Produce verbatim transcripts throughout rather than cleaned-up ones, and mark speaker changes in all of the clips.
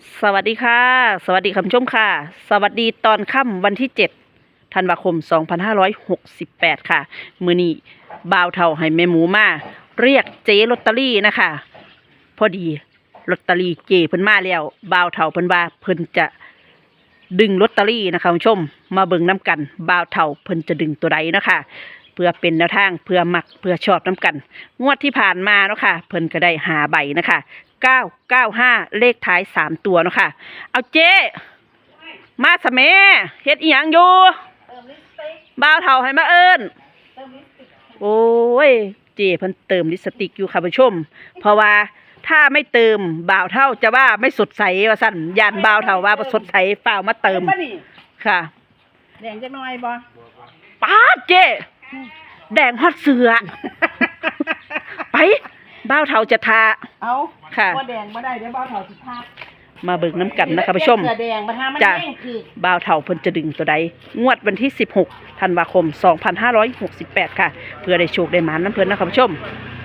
Speaker 1: สวัสดีค่ะสวัสดีคุณผู้ชมค่ะสวัสดีตอนค่ำวันที่เจ็ดธันวาคมสองพันห้าร้อยหกสิบแปดค่ะมื้อนี้บ่าวเฒ่าให้แม่หมูมาเรียกเจ๊ลอตเตอรี่นะคะพอดีลอตเตอรี่เจ๊เพิ่นมาแล้วบ่าวเฒ่าเพิ่นว่าเพิ่นจะดึงลอตเตอรี่นะคะคุณผู้ชมมาเบิ่งน้ำกันบ่าวเฒ่าเพิ่นจะดึงตัวใดนะคะเพื่อเป็นแนวทางเพื่อมักเพื่อชอบน้ำกันงวดที่ผ่านมาเนาะค่ะเพิ่นก็ได้หาใบนะคะเก้าเก้าห้าเลขท้ายสามตัวเนาะค่ะเอาเจ๊มาสะแม่เฮ็ดอีหยังอยู่บ่าวเฒ่าให้มาเอิ้นโอ้ยเจ๊เพิ่นเติมลิปสติกอยู่ค่ะผู้ชมเพราะว่าถ้าไม่เติมบ่าวเฒ่าจะว่าไม่สดใสว่าซั่นย่านบ่าวเฒ่าว่าบ่สดใสฝ้าวมาเติมค่ะ
Speaker 2: แดงจักหน่อยบ่
Speaker 1: ป๊าดเจ๊แดงฮอดเสือไปบ่าวเฒ่าจะทา
Speaker 2: เอา
Speaker 1: ค่ะ
Speaker 2: บ่แดงบ่ได้เดี๋ยวบ่าวเฒ่าสิพา
Speaker 1: มาเบิ่งน้ำกันนะคะผู้ชม
Speaker 2: เสือแดงบ่ทามัน
Speaker 1: จ้ะ
Speaker 2: แดงคือ
Speaker 1: บ่าวเฒ่าเพิ่นจะดึงตัวใดงวดวันที่สิบหกธันวาคมสองพันห้าร้อยหกสิบแปดค่ะเพื่อได้โชคได้หมานน้ำเพิ่นนะคะผู้ชม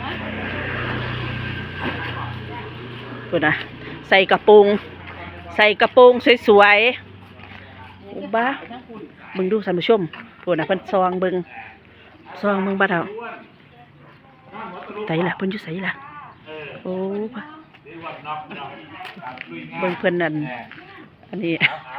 Speaker 1: เพิ่นนะใส่กระโปรงใส่กระโปรงสวยๆโอ้บ้าเบิ่งดูท่านผู้ชมเพิ่นน่ะเพิ่นซองเบิ่งซองเบิ่งบ่าวเฒ่าไสล่ะเพิ่นอยู่ไสล่ะโอ้บ่าเบิ่งเพิ่นนั่นอันนี้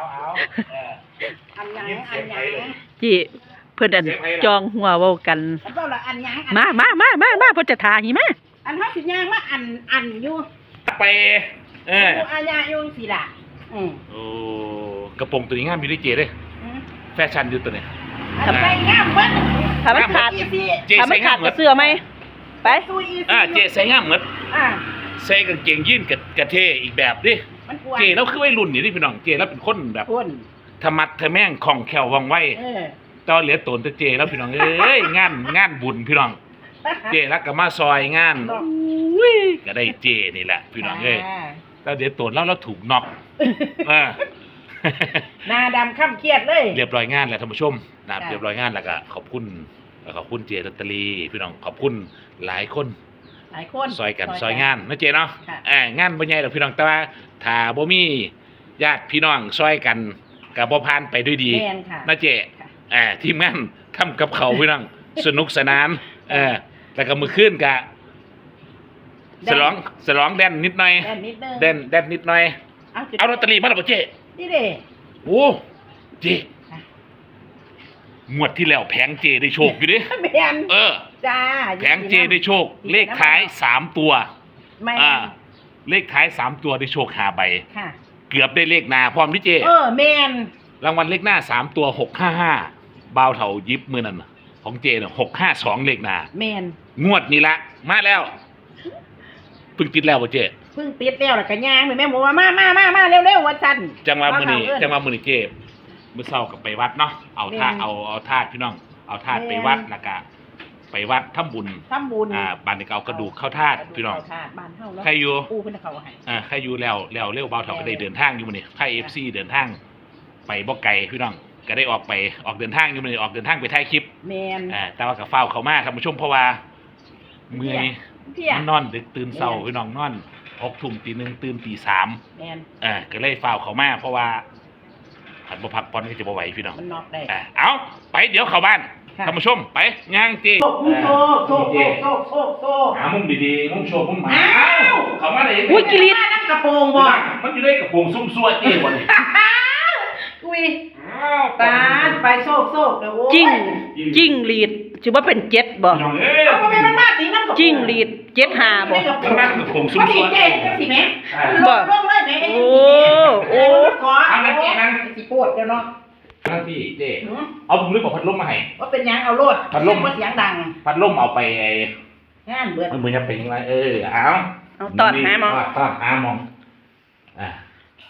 Speaker 2: อันหยังอันหยัง
Speaker 1: จีเพิ่นอันจองหัวเว้ากัน
Speaker 2: แล้วก็ละอันหยัง
Speaker 1: มามามามามาเพิ่นจะทาหิมะ
Speaker 2: อันเฮาสิย่างมาอันอันอยู่
Speaker 3: ไปเออ
Speaker 2: อยู่อาญาอยู่สิล่ะอือ
Speaker 3: โอ้กระโปรงตัวนี้งามอยู่ด้วยเจเด้แฟชั่นอยู่ตัวนี้
Speaker 2: อันใส่งามเบิด
Speaker 1: ถ้ามันขาด
Speaker 2: อีสิ
Speaker 3: เจ
Speaker 1: ถ้ามั
Speaker 3: ใส่
Speaker 1: น
Speaker 3: งา
Speaker 1: ขาม ด
Speaker 3: เหมื
Speaker 1: กั
Speaker 3: อบ น
Speaker 1: เสื้อไหมไป
Speaker 2: ซุยอีสิ
Speaker 3: อ่าเจใส่งามเหมือน
Speaker 2: อ่า
Speaker 3: ใส่กางเกงยีนกับกระเทอีกแบบดิ
Speaker 2: มันกวน
Speaker 3: เจแล้วคือวัยรุ่นนี่ดิพี่น้องเจแล้วเป็นคนแบบ
Speaker 2: กวน
Speaker 3: ธรรมัดทะแม่งคล่องแคล่วว่องไว
Speaker 2: เออ
Speaker 3: ตอนเหลือตนแต่เจแล้วพี่น้องเอ้ยงานงานบุญพี่น้องเจแล้วก็มาซอยงานอุ้ยก็ได้เจนี่แหละพี่น้องเอ้ยแล้วเดี๋ยวตนแล้วเราถูกน็อกเออ
Speaker 2: หน้าดำค่ำเครียดเลย
Speaker 3: เรียบร้อยงานแล้วท่านผู้ชมนะครับ
Speaker 2: ค่ะ
Speaker 3: เรียบร้อยงานแล้วก็ขอบคุณขอบคุณเจลอตเตอรี่พี่น้องขอบคุณหลายคน
Speaker 2: หลายคน
Speaker 3: ซอยกันซอยงานนะเจเนาะ
Speaker 2: ค่ะ
Speaker 3: เอ่างานบ่ใหญ่ดอกพี่น้องแต่ว่าถ้าบ่มีญาติพี่น้องซอยกันก็บ่ผ่านไปด้วยดี
Speaker 2: แม่นค่ะ
Speaker 3: นะเจ
Speaker 2: ค่ะ
Speaker 3: อ่าทีมงานทำกับเขาวพี่น้อง สนุกสนานเออแล้วก็มื้อคืนก็ฉลองฉลองแดนนิดหน่อย
Speaker 2: แดนนิดนึง
Speaker 3: แดนแดนนิดหน่อย
Speaker 2: เอาจุด
Speaker 3: เอาลอตเตอรี่มาแล้วบ่เจ
Speaker 2: นี่เด้
Speaker 3: โอ้เจ
Speaker 2: ค่ะ
Speaker 3: งวดที่แล้วแผงเจได้โชคอยู่ดิ
Speaker 2: แม่น
Speaker 3: เออ
Speaker 2: จ้า
Speaker 3: แผงเจได้โชค เลขท้ายสามตัว
Speaker 2: แม่น
Speaker 3: อ่า เลขท้ายสามตัวได้โชคหาใบ
Speaker 2: ค่ะ
Speaker 3: เกือบได้เลขหนาพร้อมที่เจ
Speaker 2: เออแม่น
Speaker 3: รางวัลเลขหน้าสามตัวหกห้าห้าบ่าวเถายิบมือนั่นน่ะของเจน่ะหกห้าสองเลขหนา
Speaker 2: แม่น
Speaker 3: งวดนี้ละ มาแล้วเพิ่งติดแล้วบ่เจ
Speaker 2: เพิ่งติดแล้วแล้วก็ย่างแม่หมูว่ามามามามาเร็วๆว่าซั่น
Speaker 3: จังหวะมื้อนี้
Speaker 2: เอิ้
Speaker 3: จังหวะมื้อนี้เจมื้อเช้าก็ไปวัดเนาะ เอาธาตุ
Speaker 2: แม่น
Speaker 3: เอาเอาธาตุพี่น้อง เอาธาตุ
Speaker 2: แม่น
Speaker 3: ไปวัดแล้วก็ไปวัดทำบุญ
Speaker 2: ทำบุญ
Speaker 3: อ่าบ้านนี้ก็เอากระดูกเข้าธาตุพี่น้อง
Speaker 2: เข้าธาตุบ้านเฮาเนาะ
Speaker 3: ใครอยู่
Speaker 2: ปู่เพิ่นเอาให้
Speaker 3: อ่าใครอยู่แล้วแล้วเร็วเบาเถาก็ได้เดินทางอยู่มื้อนี้ไทย เอฟ ซี เดินทางไปบ่ไกลพี่น้องก็ได้ออกไปออกเดินทางอยู่มื้อนี้ออกเดินทางไปถ่ายคลิป
Speaker 2: แม่น
Speaker 3: อ่าแต่ว่าก็เฝ้าวเข้ามาท่านผู้ชมเพราะว่าเมื่อย
Speaker 2: เที่ย
Speaker 3: มันนอนดึกตื่นเช้าพี่น้องนอนหกทุ่มตีหนึ่งตื่นตีสาม
Speaker 2: แม่น
Speaker 3: อ่าก็เลยเฝ้าวเข้ามาเพราะว่าหันบ่พักผ่อนก็จะบ่ไหวพี่น้อง
Speaker 2: มันนอกได้
Speaker 3: อ่าเอาไปเดี๋ยวเข้าบ้าน
Speaker 2: ค่ะ
Speaker 3: ท่านผู้ชมไปย่างจี
Speaker 2: โซโซโซโซโซโซ
Speaker 3: หามุมดีๆมุมโชว์มุมหมา
Speaker 2: อ้าว
Speaker 3: เข้ามาได้
Speaker 1: อุ้ยกิริต
Speaker 2: น้ำกระโปรงบ่
Speaker 3: มันอยู่ในกระโปรงซุ่มซัวเจ้บ่นี่
Speaker 2: อุ้ยตาดไปโซกโซกเด้อโอ้ย
Speaker 1: จิ้งจิ้งหรีดถือว่าเป็นเจ็ดบ่
Speaker 3: พี่น้องเอ้ย
Speaker 2: เอาบ่แม่นมันมาตีน้ำกระโปรง
Speaker 1: จิ้งหรีดเจ็ดหาบ่
Speaker 3: มันนั่งกระโปรงซุ่ม
Speaker 2: มัน
Speaker 3: ซั
Speaker 2: สิ
Speaker 3: ว
Speaker 2: เจ๊จังสิแม่ลงลงเลยแม่
Speaker 1: โอ้โอ้
Speaker 2: ขอเอานั่นเจ๊นั่นสิปวดเดี๋ยวเนาะ
Speaker 3: นั่งที่เจ้
Speaker 2: หือ
Speaker 3: เอาผมนึกว่าพัดลมมาให้
Speaker 2: ว่าเป็นหยังเอาโลด
Speaker 3: พัดลม
Speaker 2: เสียงดัง
Speaker 3: พัดลมเอาไปไอ้
Speaker 2: งานเบิด
Speaker 3: มันมือจะเป็นยังไงเออเอา
Speaker 1: เอาตอดหาหมอ
Speaker 3: ตอดหามองอ่า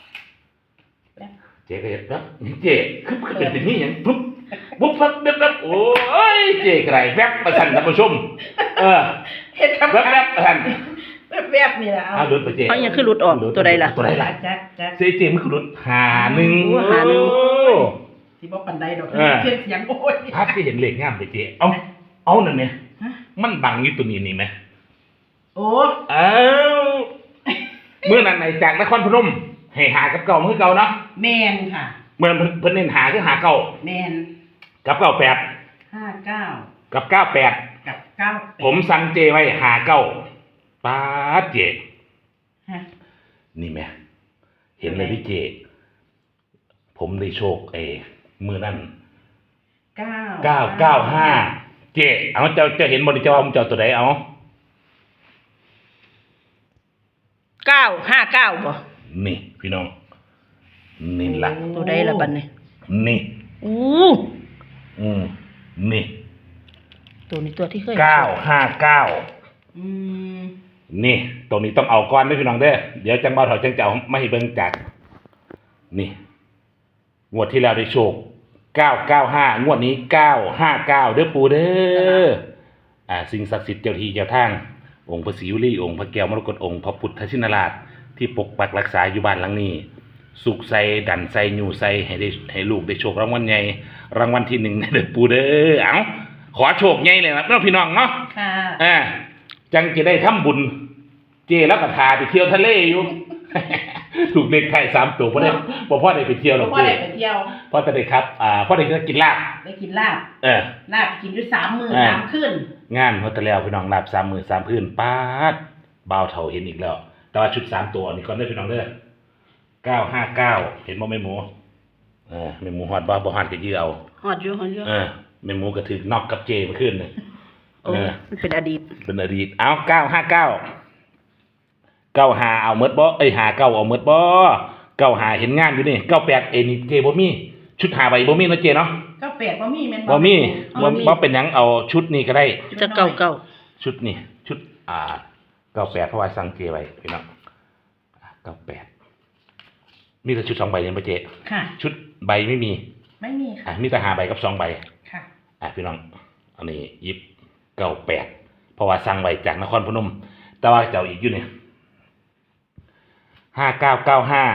Speaker 3: เจ๊ก็เห็นแล้วเจ๊คือเป็นสิ่งนี้อย่างปุ๊บปุ๊บปั๊บแป๊บแป๊บโอ้ยเจ๊กระไรแวบประชันท่านผู้ชมเออ
Speaker 2: เฮ็ดกับ
Speaker 3: แวบแวบประชัน
Speaker 2: แวบๆนี่ล่ะ
Speaker 3: เอา
Speaker 2: เอา
Speaker 3: เดินไปเจ๊
Speaker 1: เอายังคือหลุดออกตัวใดล่ะ
Speaker 3: ตัวใดล่ะ
Speaker 2: จักจัก
Speaker 3: เจ๊เจ๊มันคือรถหาหนึ่ง
Speaker 1: โอ้หาหนึ่ง
Speaker 3: โอ้
Speaker 2: สิบ่ปานใดดอก
Speaker 3: เออ
Speaker 2: เสียงเสียงโอ้ย
Speaker 3: ภาพที่เห็นเหล็กงามเลยเจ๊เอาเอานั่นเนี่ย
Speaker 2: ฮะ
Speaker 3: มันบังอยู่ตัวนี้นี่ไหม
Speaker 2: โอ้
Speaker 3: เอ้าเมื่อนั้นไหนจากนครพนมให้หากับเก่ามือเก่าเนาะ
Speaker 2: แมนค่ะ
Speaker 3: เมื่อเพิ่นเพิ่นเน้นหาคือหาเก่า
Speaker 2: แมน
Speaker 3: กับเก้าแปด
Speaker 2: ห้าเก้า
Speaker 3: กับเก้าแปด
Speaker 2: กับเก้า
Speaker 3: ผมสั่งเจไว้หาเก้าป้าดเจ
Speaker 2: ฮะ
Speaker 3: นี่แม่เห็นเลยพี่เจ ผมได้โชคเอมือนั่น
Speaker 2: เก้า
Speaker 3: เก้าเก้าห้าเจเอาเจ้าเจ้าเห็นบริจาคผมเจ้าตัวไหนเอา
Speaker 1: เก้าห้าเก้าบ่
Speaker 3: นี่พี่น้องนี่ละ
Speaker 1: ตัวใดละบัดนี้
Speaker 3: นี่
Speaker 1: อู้
Speaker 3: อืมนี่
Speaker 1: ตัวนี้ตัวที่เคย
Speaker 3: เก้าห้าเก้า
Speaker 2: อืม
Speaker 3: นี่ตรงนี้ต้องเอาก้อนด้วยพี่น้องเด้อเดี๋ยวจังบ่าวเถาจังจะเอาไม่ให้เบิ่งจักนี่งวดที่แล้วได้โชคเก้าเก้าห้างวดนี้เก้าห้าเก้าเด้อปู่เด้ออ่าสิ่งศักดิ์สิทธิ์เจ้าที่เจ้าทางองค์พระศรีวลีองค์พระแก้วมรกตองค์พระพุทธชินราชที่ปกปักรักษาอยู่บ้านหลังนี้สุขใส่ดันใส่อยู่ใส่ให้ได้ให้ลูกได้โชครางวัลใหญ่รางวัลที่หนึ่งเด้อปู่เด้อเอ้าขอโชคใหญ่เลยนะเนาะพี่น้องเนาะ
Speaker 2: ค่ะ
Speaker 3: อ่าจังจะได้ทำบุญเจแล้วก็ทาไปเที่ยวทะเลอยู่ ถูกเลขไทยสามตัวพ่อได้บ่พ่อได้ไปเที่ยวหรอก
Speaker 2: พ่อ
Speaker 3: เจ
Speaker 2: ได้ไปเที่ยว
Speaker 3: พ่อจะได้ครับอ่าพ่อได้กินลาบ
Speaker 2: ได้กินลาบ
Speaker 3: เออ
Speaker 2: ลาบกินด้วยสามมือ
Speaker 3: อ่า
Speaker 2: สามขึ้น
Speaker 3: งานเขาแต่แล้วพี่น้องลาบสามมือสามพื้นป้าดบ่าวเฒ่าเห็นอีกแล้ว แต่ว่าชุดสามตัวนี่ก่อนเด้อพี่น้องเด้อเก้าห้าเก้าเห็นบ่แม่หมูเออแม่หมูฮอดบ่บ่ฮอดก็ยื้อเอา
Speaker 1: ฮอดอยู่ฮอดอยู่
Speaker 3: เออแม่หมูก็ถึกนอกกับเจเมื่อคืนนี่
Speaker 1: โอ้มันเป็นอดีต
Speaker 3: เป็นอดีตเอาเก้าห้าเก้าเก้าหาเอาเมดบ่เอ้ยหาเก้าเอาเมดบ่เก้าหาเห็นงานอยู่นี่เก้าแปดเอ็นี่เจบ่มีชุดหาใบบ่มีเนาะเจเนาะ
Speaker 2: เก้าแปดบ่มีแม่น
Speaker 3: บ่มี
Speaker 2: บ่
Speaker 3: บ่บ่เป็นหยังเอาชุดนี้ก็ได้
Speaker 1: จะเก้าเก้า
Speaker 3: ชุดนี้ชุดอ่าเก้าแปดเพราะว่าสั่งเจไว้พี่น้องเก้าแปดมีแต่ชุดสองใบเนี่ยบ่เจ
Speaker 2: ค่ะ
Speaker 3: ชุดใบไม่มี
Speaker 2: ไม่มี
Speaker 3: อ่ะ
Speaker 2: ค่ะ
Speaker 3: มีแต่หาใบกับสองใบ
Speaker 2: ค่ะ
Speaker 3: อ่ะพี่น้องอันนี้ยิบเก้าแปดเพราะว่าสั่งไว้จากนครพนมแต่ว่าเจ้าอีกอยู่เนี่ยห้าเก้าเก้าห้า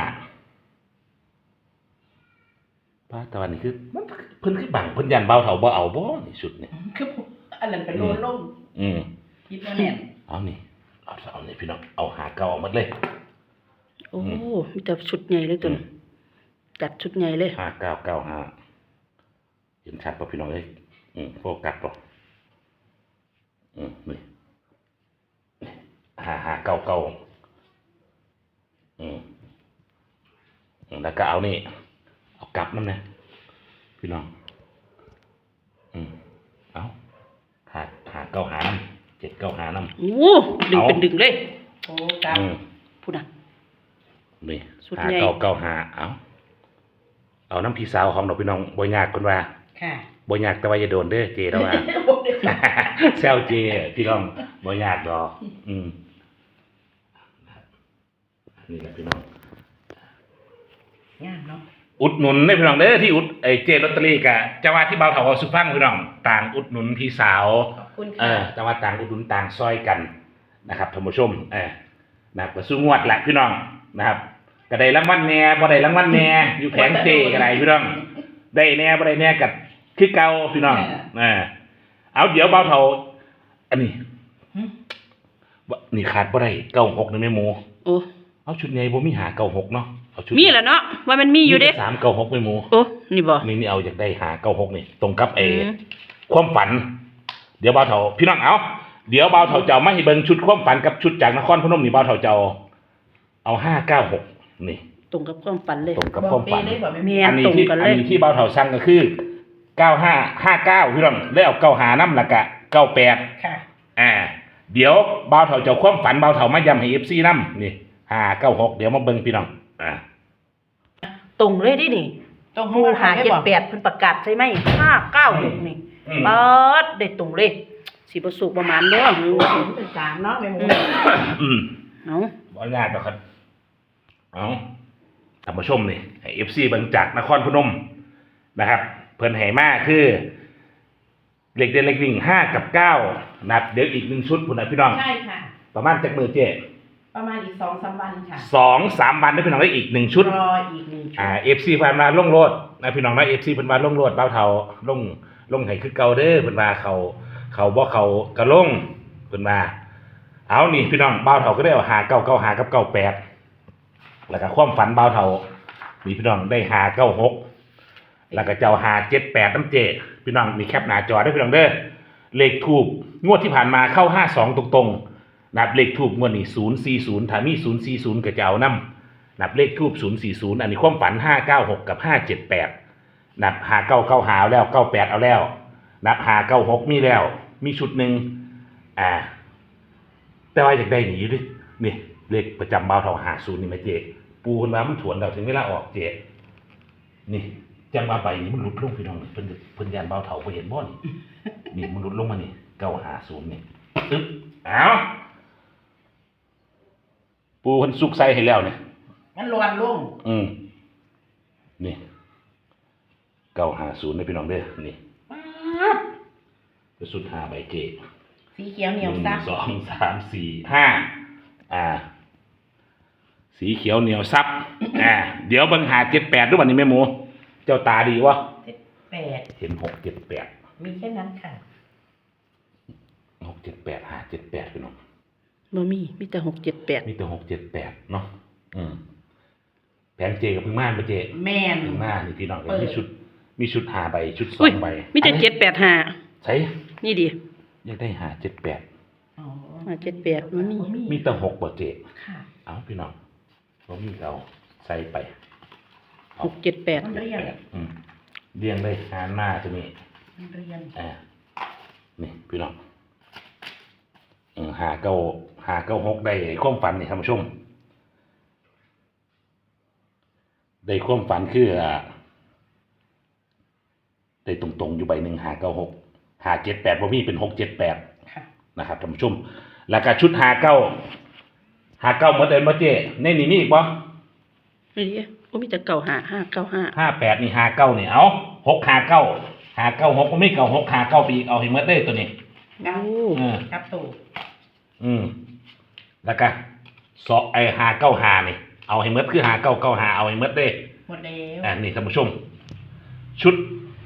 Speaker 3: ป้าตะวันนี่คือมันเพิ่นคือบังเพิ่นยันเบาเถาบ่เอาบ่นี่สุดนี่
Speaker 2: คืออันนั้นเป็นโลนล่ม
Speaker 3: อืม
Speaker 2: คิดว่าแน่น
Speaker 3: เอานี่เอาเอานี่พี่น้องเอาหาเก้าเอาหมดเลย
Speaker 1: โอ้มีแต่ชุดใหญ่เลยตัวนี้จัดชุดใหญ่เลย
Speaker 3: ห้าเก้าเก้าห้าเห็นชัดป่ะพี่น้องเอ้ยอืมโฟกัสป่ะอืมนี่ห้าห้าเก้าเก้าอืมแล้วก็เอานี่เอากลับนั่นนะพี่น้องอืมเอาหาหาเก้าหาน้ำเจ็ดเก้าหาน้ำ
Speaker 1: โอ้ดึงเป็นดึงเลย
Speaker 2: โอ้ครับ
Speaker 3: อืม
Speaker 1: พูดนะ
Speaker 3: นี่
Speaker 1: สุด
Speaker 3: หา
Speaker 1: ใหญ่
Speaker 3: เก้าเก้าหาเอาเอาน้ำพี่สาวของเราพี่น้องบ่ยากคนว่า
Speaker 2: ค่ะ
Speaker 3: บ่ยากแต่ว่าอย่าโดนเด้อเจแล้วว่า แซวเจพี่น้องบ่ยากดอกอืมนี่แหละพี่น้อง
Speaker 2: งามเนาะ
Speaker 3: อุดหนุนได้พี่น้องเด้อที่อุดไอ้เจลอตเตอรี่กะจะว่าที่เบาเถาเอาสุฟังพี่น้องต่างอุดหนุนพี่สาว
Speaker 2: ขอบคุณ
Speaker 3: เอ
Speaker 2: ค่ะ
Speaker 3: อแต่ว่าต่างอุดหนุนต่างซอยกันนะครับท่านผู้ชมเออนะครับก็สู้งวดแหละพี่น้องนะครับก็ได้รางวัลแหน่บ่ได้รางวัลแหน่อยู่แผงเจก็ได้พี่น้องได้แหน่บ่ได้แหน่กับคือเก่าพี่น้องเออเอาเดี๋ยวเบาเถาอันนี้
Speaker 2: หึ
Speaker 3: ว่านี่ขาดบ่ได้เก้าหกนี่แม่หมู
Speaker 1: โอ้
Speaker 3: เอาชุดใหญ่บ่มีหาเก้าหกเนาะเอาชุด
Speaker 1: มีแหละเนาะว่ามันมีอยู่เด้
Speaker 3: แต่สามเก้าหกแม่หมู
Speaker 1: โอ้นี่บ่
Speaker 3: นี่นี่เอาอยากได้หาเก้าหกนี่ตรงกับไอ้
Speaker 1: อืม
Speaker 3: ความฝัน เดี๋ยวบ่าวเฒ่าพี่น้องเอาเดี๋ยวบ่าวเฒ่าจะเอามาให้เบิ่งชุดความฝันกับชุดจากนครพนมนี่บ่าวเฒ่าจะเอาเอาห้าเก้าหกนี่
Speaker 1: ตรงกับความฝันเลย
Speaker 3: ตรงกับ
Speaker 2: บอก
Speaker 3: ความฝัน
Speaker 2: เปได้บอกไม่
Speaker 1: เมี
Speaker 2: มี
Speaker 1: ย
Speaker 3: อันนี้
Speaker 1: ตรง
Speaker 3: ที่
Speaker 1: กันเลย
Speaker 3: อันนี้ที่บ่าวเฒ่าสั่งก็คือเก้าห้าห้าเก้าพี่น้องแล้วเอาเก้าหานํแล้วก็เก้าแปด
Speaker 2: ค่ะ
Speaker 3: อ่าเดี๋ยวบ่าวเฒ่าจะเอาความฝันบ่าวเฒ่ามาย้ำให้ เอฟ ซี นำนี่ห้าเก้าหกเดี๋ยวมาเบิ่งพี่น้องอ่า
Speaker 1: ตรงเลยดินี่
Speaker 2: ตรง
Speaker 1: หมู่หาเจ็ดแปดเพิ่นประกาศใช่ไหมห้าเก้าหกนี่
Speaker 3: อืม
Speaker 1: เปิดได้ตรงเลยสิบ่สุกประมาณเด้อหือ
Speaker 2: เป็นสามเนาะแม่หมู
Speaker 3: อืม
Speaker 1: เอา
Speaker 3: บ่ยากหรอกครับ เอาท่านผู้ชมนี่ให้ เอฟ ซี เบิ่งจากนครพนมนะครับ เพิ่นให้มาคือเหล็กเด่นเหล็กวิ่งห้ากับเก้านะครับเดี๋ยวอีกหนึ่งชุดพุ่นน่ะพี่น้อง
Speaker 2: ใช่ค่ะ
Speaker 3: ประมาณจักมือเจ๊
Speaker 2: ประมาณอีกสองสามวันค่ะ
Speaker 3: สองสามวันได้พี่น้องได้อีกหนึ่งชุด
Speaker 2: รออีกหนึ่งชุด
Speaker 3: อ่า เอฟ ซี เพิ่นมาลงโลดนะพี่น้องนะ เอฟ ซี เพิ่นมาลงโลดเบ้าเฒ่าลงลงให้คือเก่าเด้อเพิ่นว่าเขาเขาบ่เขาก็ลงเพิ่นว่าเอานี่พี่น้องเบ้าเฒ่าก็ได้เอาหาเก้าเก้าหากับเก้าแปดแล้วก็ความฝันเบาเท่ามีพี่น้องได้หาเก้าหกแล้วก็เจ้าหาเจ็ดแปดน้ำเจพี่น้องมีแคปหน้าจอได้พี่น้องเด้อเลขทูบงวดที่ผ่านมาเข้าห้าสองตรงๆนับเลขทูบงวดนี้ศูนย์สี่ศูนย์ถ้ามีศูนย์สี่ศูนย์ก็จะเอานำนับเลขทูบศูนย์สี่ศูนย์อันนี้ความฝันห้าเก้าหกกับห้าเจ็ดแปดนับหาเก้าเก้าหาแล้วเก้าแปดเอาแล้วนับหาเก้าหกมีแล้วมีชุดหนึ่งอ่าแต่ว่าอยากได้หนีดินี่เลขประจำเบาเท่าหาศูนย์นี่ไหมเจปูคนว่ามันถวนเราถึงเวลาออกเจนี่จังว่าใบนี้มันหลุดลงพี่น้องเพิ่นเพิ่นยานเบาเท่าไปเห็นบ่นี่นี่มันหลุดลงมานี่เก้าหาศูนย์นี่ตึ๊บเอาปูเพิ่นสุกใส่ให้แล้วเนี่ย
Speaker 2: มันลวนลง
Speaker 3: อืมนี่เก้าหาศูนย์นี่พี่น้องเด้อนี่จะสุดหาใบเจ
Speaker 2: สีเขียวเหนียว
Speaker 3: หนึ่ง
Speaker 2: ซับ
Speaker 3: สองสามสี่ห้าอ่าสีเขียวเหนียวซับอ่าเดี๋ยวเบิ่งหาเจ็ดแปดด้วยวันนี้แม่หมูเจ้าตาดีวะ
Speaker 2: เจ็ดแปด
Speaker 3: เห็นหกเจ็ดแปด
Speaker 2: มีแค่นั้นค่ะ
Speaker 3: หกเจ็ดแปดหาเจ็ดแปดพี่น้อง
Speaker 1: บ่มีมีแต่หกเจ็ดแปด
Speaker 3: มีแต่หกเจ็ดแปดเนาะอืมแผงเจกับพึ่งม่านปะเจ
Speaker 2: แม่น
Speaker 3: พึ่งม่านนี่พี่น้อง
Speaker 2: เปิด
Speaker 3: มีชุด มีชุดหาใบชุดสอ
Speaker 1: อุ้ย
Speaker 3: งใบ
Speaker 1: มีแต่เจ็ดแปดห้า
Speaker 3: ใช่
Speaker 1: นี่ดิ
Speaker 3: อยากได้หาเจ็ดแปด
Speaker 2: อ๋อ
Speaker 1: ห้าเจ็ดแปดมันมี
Speaker 3: มีแต่หกปะเจ
Speaker 2: ค่ะ
Speaker 3: เอาพี่น้องเรามีเราใส่ไป
Speaker 1: หกเจ็ดแปด
Speaker 2: มันเรียน
Speaker 3: อืมเรียงเลยหาหน้าจะมี
Speaker 2: มันเรียน
Speaker 3: อ่านี่พี่น้องเออหาเก้าหาเก้าหกได้ความฝันนี่ท่านผู้ชมได้ความฝันคืออ่าได้ตรงๆอยู่ใบหนึ่งหาเก้าหกหาเจ็ดแปดบ่มีเป็นหกเจ็ดแปด
Speaker 2: ค่ะ
Speaker 3: นะครับท่านผู้ชมแล้วก็ชุดหาเก้าหาเก้าหมดเดินมาเจ้ในนี่มีอีกบ่
Speaker 1: นี่ดิโอ้มีแต่เก่าห้าห้าเก้าห้า
Speaker 3: ห้าแปดนี่หาเก้านี่เอาหกหาเก้าหาเก้าหกก็ไม่เก้าหกหาเก้าปีกเอาให้หมดได้ตัวนี้
Speaker 2: เก้า
Speaker 3: เออ
Speaker 2: กับตู่
Speaker 3: อืมแล้วก็สอไอหาเก้าหานี่เอาให้หมดคือหาเก้าเก้าหาเอาให้หมดได้
Speaker 2: หมดแล้ว
Speaker 3: อ่านี่ท่านผู้ชม ชุด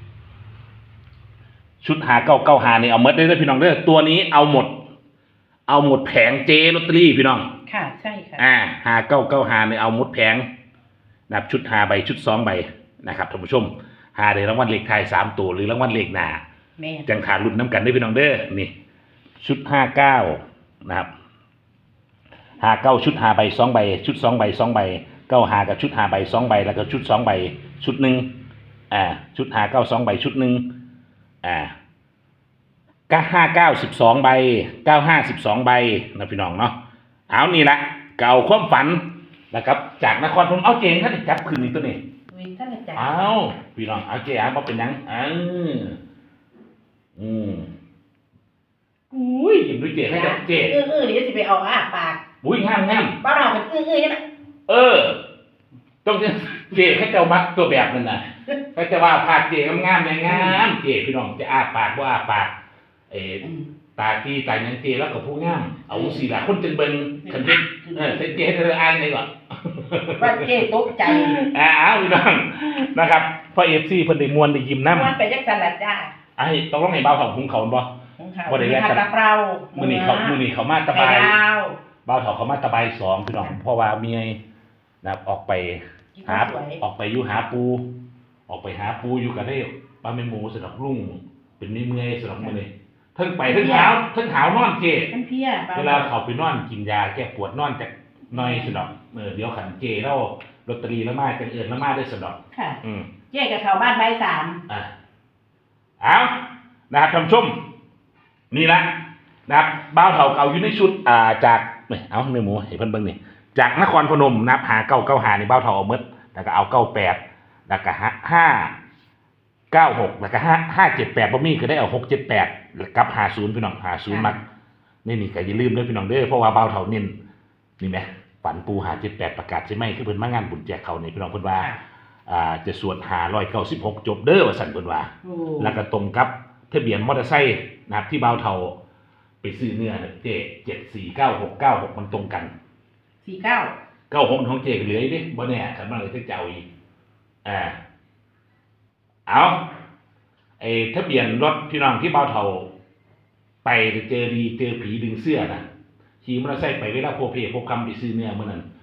Speaker 3: ชุดหาเก้าเก้าหานี่เอาหมดได้เลยพี่น้องเด้อตัวนี้เอาหมด เอาหมดแผงเจลอตเตอรี่พี่น้อง
Speaker 2: ค่ะใช่ค่ะ
Speaker 3: อ่าหาเก้าเก้าหานี่เอาหมดแผงนับชุดหาใบชุดสองใบนะครับท่านผู้ชมหาได้รางวัลเลขท้ายสามตัวหรือรางวัลเลขหน้า
Speaker 2: แม่น
Speaker 3: จังขารุ่นน้ำกันได้พี่น้องเด้อนี่ ชุดห้าเก้านะครับหาเก้าชุดหาใบสองใบ ชุดสองใบสองใบเก้าหากับชุดหาใบสองใบแล้วก็ชุดสองใบชุดหนึ่งอ่าชุดหาเก้าสองใบชุดหนึ่งอ่าก็ห้าเก้าสิบสองใบเก้าห้าสิบสองใบนะพี่น้องเนาะเอานี่ละเก่าความฝันนะครับจากนครพนมเอาเจงท่านจับคืนนี้ตัวนี้
Speaker 2: วิท่านอาจารย์
Speaker 3: เอาพี่น้องเอาเจอาบ่เป็นหยังเอออืมอุ้ยยิ้มด้วยเจให้กับเจ
Speaker 2: เออเออเดี๋ยวสิไปเอาอ้าปาก
Speaker 3: อุ้ยงามงาม
Speaker 2: บ้านเราเป็นอื้ออื้อใช่ไหม
Speaker 3: เออต้องเจให้เจ้ามักตัวแบบนั่นน่ะก็จะว่าภาคเจงามงามๆงามเจพี่น้องจะอ้าปากว่าอ้าปากเออ
Speaker 2: อืม
Speaker 3: ตาตีตายังเจแล้วก็ผู้งามเอาสีละคนจึงเบิ่งคันเฮ็ดเออเซ็นเจให้เธออ่านได้ก่อน
Speaker 2: ว่าเจ๊ตกใจ
Speaker 3: อ่าเอาพี่น้องนะครับพอ เอฟ ซีเพิ่นได้ม่วนได้ยิ้มนำ
Speaker 2: มันไปจักสันละจ้า
Speaker 3: ไอ้ต้องลองให้บ่าวของหุงเขาบ่
Speaker 2: ของเขา
Speaker 3: บ่ได้แลกกัน
Speaker 2: ผัดกะเพรา
Speaker 3: มื้อนี้เขามื้อนี้เขามาตะ
Speaker 2: ไข่
Speaker 3: บาย
Speaker 2: ดาว
Speaker 3: บ่าวเฒ่าเขามาตะบายสองพี่น้องเพราะว่าเมียนะครับออกไป
Speaker 2: กิน
Speaker 3: หา
Speaker 2: ข้าวสวย
Speaker 3: ออกไปอยู่หาปู ออกไปหาปูอยู่ก็ได้ปลาแม่หมูสำหรับลุงเป็นเมื่อยๆสำหรับมื้อนี้เทั้งไปเทั้งหาวเทั้งหาวนอนเจ
Speaker 2: มันเพี้ย
Speaker 3: เวลาเขาไปนอนกินยาแก้ปวดนอนจากหน่อยสนอกเออเดี๋ยวขันเจแล้วลอตเตอรี่แล้วมาจังเอิญแล้วมาได้สนอก
Speaker 2: ค่ะ
Speaker 3: อืม
Speaker 2: เจ๊กับชาวบ้านใบสาม
Speaker 3: อ่ะเอานะครับท่านผู้ชม นี่ละนะครับบ้าวเถาเก่าอยู่ในชุดอ่าจากเนี่ยเอาเนื้อหมูเห็นเพิ่นเบิ่งนี่จากนครพนมนะครับหาเก้าเก้าหานี่บ้าวเถาเอาเมดแล้วก็เอาเก้าแปดแล้วก็ห้าเก้าหกแล้วก็ห้าห้าเจ็ดแปดบ่มีก็ได้เอาหกเจ็ดแปดกับหาศูนย์พี่น้องหาศูนย์มักนี่นี่ก็อย่าลืมด้วยพี่น้องเด้อเพราะว่าบ้าวเถาเน้นนี่ไหมฝันปูหาเจ็ดแปดประกาศใช่ไหมคือเพิ่นมางานบุญแจกเขานี่พี่น้องเพิ่นว่าอ่าจะสวดหาร้อยเก้าสิบหกจบเด้อว่าสั่นเพิ่นว่า
Speaker 2: โอ้
Speaker 3: แล้วก็ตรงกับทะเบียนมอเตอร์ไซค์นะครับที่บ่าวเทาไปซื้อเนื้อเจเจ็ดสี่เก้าหกเก้าหกมันตรงกัน
Speaker 2: สี่เก้า
Speaker 3: เก้าหกของเจก็เหลืออีกดิบ่แน่คันมันเลยจะเจ้าอีกอ่าเอาไอ้ทะเบียนรถพี่น้องที่บ่าวเทาไปเจอดีเจอผีดึงเสื้อนะขี่มอเตอร์ไซค์ไปเวลาโพเพโพคำไปซื้อเนื้อเมื่อนั้น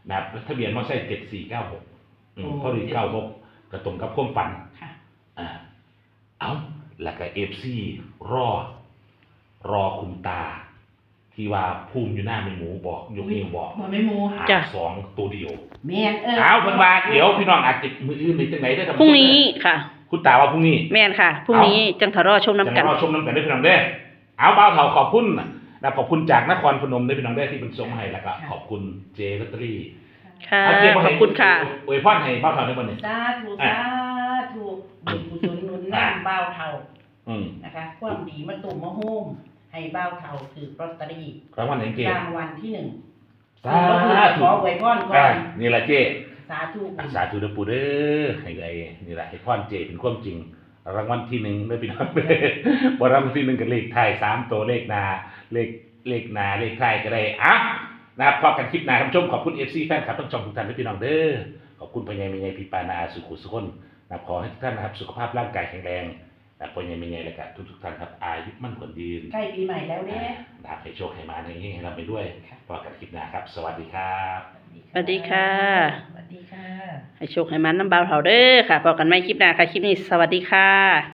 Speaker 3: นะครับทะเบียนมอเตอร์ไซค์เจ็ดสี่เก้าหกพอดีเก้าหกกระตรงกับความฝัน
Speaker 2: ค่ะ
Speaker 3: อ่าเอาแล้วก็เอฟซีรอ รอคุณตา ที่ว่าภูมิอยู่หน้าแม่หมูบอกยกนิ้วบอก
Speaker 2: บ่แม่หมู
Speaker 3: หา
Speaker 1: จ้ะ
Speaker 3: สองตัวเดียว
Speaker 2: แม่นเออ
Speaker 3: เอาเพิ่นว่าเดี๋ยวพี่น้องอาจจะมืออื่นหรือจังไหนได้อท่าน
Speaker 1: พ
Speaker 3: ผู้ชม
Speaker 1: รุ่งนี้ค่ะ
Speaker 3: คุณตาว่าพรุ่งนี้
Speaker 1: แม่นค่ะพรุ่งนี้จังทะรอชมน้ำกัน
Speaker 3: จะรอชมน้ำกันด้วยพี่น้องเด้อเอาเบาเถาขอบคุณนะขอบคุณจากนครพนมด้วยพี่น้องเด้อที่เป็นส่งมาให้แล้วก็ขอบคุณเจลอตเตอรี่
Speaker 1: ค่ะ
Speaker 3: เอาเจมา
Speaker 1: ข
Speaker 3: ให้
Speaker 1: อบคุณค่ะ
Speaker 3: อวยพรให้เบาเถาในวันนี้
Speaker 2: สาธุสาธุบุญกุศลหนุนน้ำบ่าวเฒ่า
Speaker 3: อืม
Speaker 2: นะคะความดีมาตุ่มมาโฮมให้บ่าวเฒ่าถือลอตเตอรี่
Speaker 3: รางวัลไหนเจ
Speaker 2: รางวัลที่หนึ่ง
Speaker 3: สา
Speaker 2: ข
Speaker 3: ธุ
Speaker 2: อไว้พรก่อ
Speaker 3: อ่าน นี่แหละเจ
Speaker 2: สาธุ
Speaker 3: สาธุเด้อปู่เด้อให้ไอ้นี่แหละให้พรเจเป็นความจริง รางวัลที่หนึ่งเด้อพี่น้องเด้อบ่รางวัลที่หนึ่งกับเลขท้ายสามตัวเลขหน้าเลขเลขหน้าเลขท้ายก็ได้อ่ะนะครับพบกันคลิปหน้าท่านผู้ชมขอบคุณ เอฟ ซี แฟนคลับทั้งช่องทุกท่านด้วยพี่น้องเด้อขอบคุณพ่อใหญ่แม่ใหญ่พี่ปานาอาสุขุสุขนนะครับขอให้ทุกท่านนะครับสุขภาพร่างกายแข็งแรงนะครับพ่อใหญ่แม่ใหญ่และก็ทุกๆท่านครับอายุมั่นขวัญยืน
Speaker 2: ใกล้ปีใหม่แล้วเด้
Speaker 3: นะครับให้โชคให้มาในนี้ให้เราไปด้วยพบกันคลิปหน้าครับ สวัสดีครับ
Speaker 1: สวัสดีค่ะ
Speaker 2: สวัสดีค่ะ
Speaker 1: ให้โชคให้มันน้ำเบาเถาเด้อค่ะพบกันใหม่คลิปหน้าค่ะ คลิปนี้สวัสดีค่ะ